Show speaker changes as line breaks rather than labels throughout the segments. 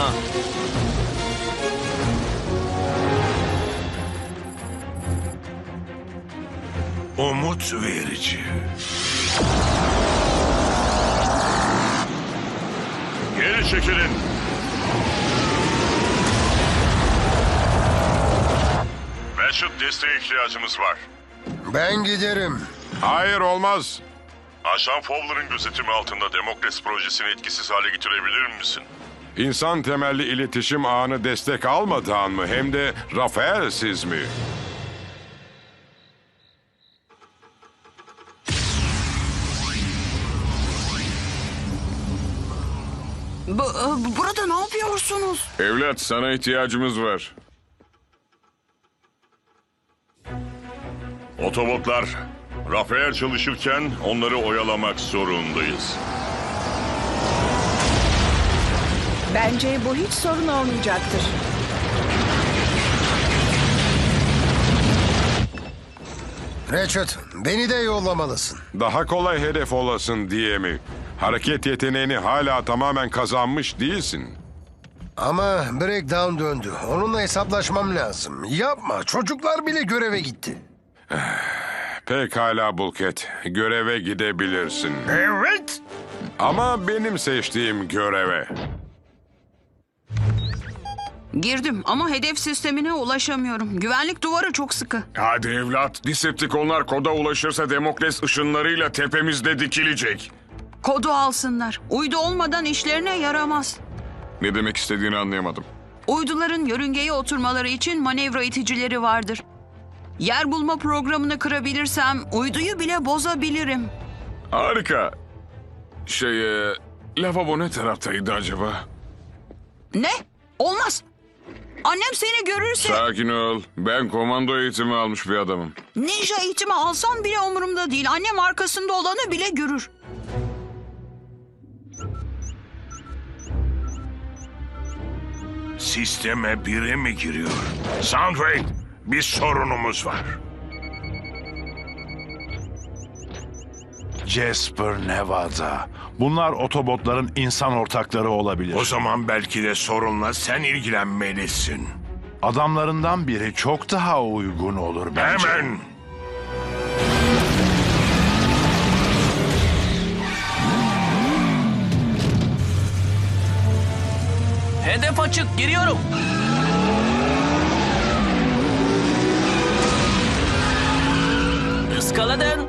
Umut verici.
Geri çekilin. Ratchet, desteğe ihtiyacımız var.
Ben giderim.
Hayır, olmaz.
Ajan Fowler'ın gözetimi altında Demokrasi projesini etkisiz hale getirebilir misin?
İnsan temelli iletişim ağını destek almadan mı? Hem de Rafael'siz mi?
Burada ne yapıyorsunuz?
Evlat, sana ihtiyacımız var.
Otobotlar, Rafael çalışırken onları oyalamak zorundayız.
Bence bu hiç sorun olmayacaktır.
Ratchet, beni de yollamalısın.
Daha kolay hedef olasın diye mi? Hareket yeteneğini hala tamamen kazanmış değilsin.
Ama Breakdown döndü. Onunla hesaplaşmam lazım. Yapma, çocuklar bile göreve gitti.
Pekala Bulkhead, göreve gidebilirsin.
Evet.
Ama benim seçtiğim göreve.
Girdim ama hedef sistemine ulaşamıyorum. Güvenlik duvarı çok sıkı.
Hadi evlat, Decepticonlar koda ulaşırsa Demokles ışınlarıyla tepemizde dikilecek.
Kodu alsınlar. Uydu olmadan işlerine yaramaz.
Ne demek istediğini anlayamadım.
Uyduların yörüngeye oturmaları için manevra iticileri vardır. Yer bulma programını kırabilirsem uyduyu bile bozabilirim.
Harika. Lavabo ne taraftaydı acaba?
Ne? Olmaz. Annem seni görürse...
Sakin ol. Ben komando eğitimi almış bir adamım.
Ninja eğitimi alsam bile umurumda değil. Annem arkasında olanı bile görür.
Sisteme biri mi giriyor? Soundwave, bir sorunumuz var.
Jasper, Nevada. Bunlar otobotların insan ortakları olabilir.
O zaman belki de sorunla sen ilgilenmelisin.
Adamlarından biri çok daha uygun olur bence.
Hemen.
Hedef açık, giriyorum. Iskaladın.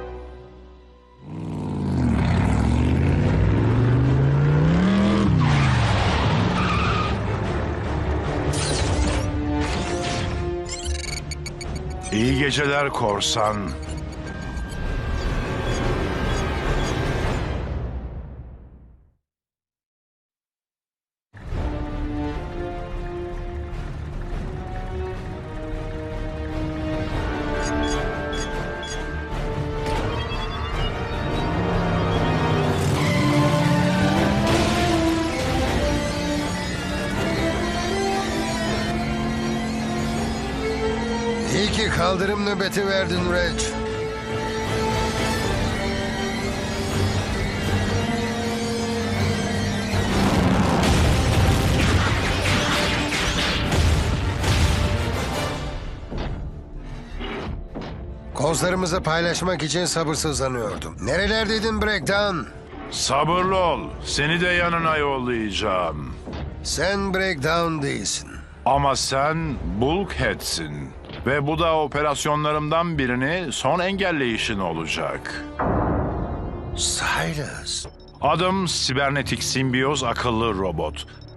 İyi geceler korsan.
İyi ki kaldırım nöbeti verdin Reg. Kozlarımızı paylaşmak için sabırsızlanıyordum. Nerelerdeydin Breakdown?
Sabırlı ol. Seni de yanına yollayacağım.
Sen Breakdown değilsin.
Ama sen Bulkhead'sin. Ve bu da operasyonlarımdan birini son engelleyişin olacak.
Silas.
Adım Sibernetik Simbiyoz Akıllı Robot.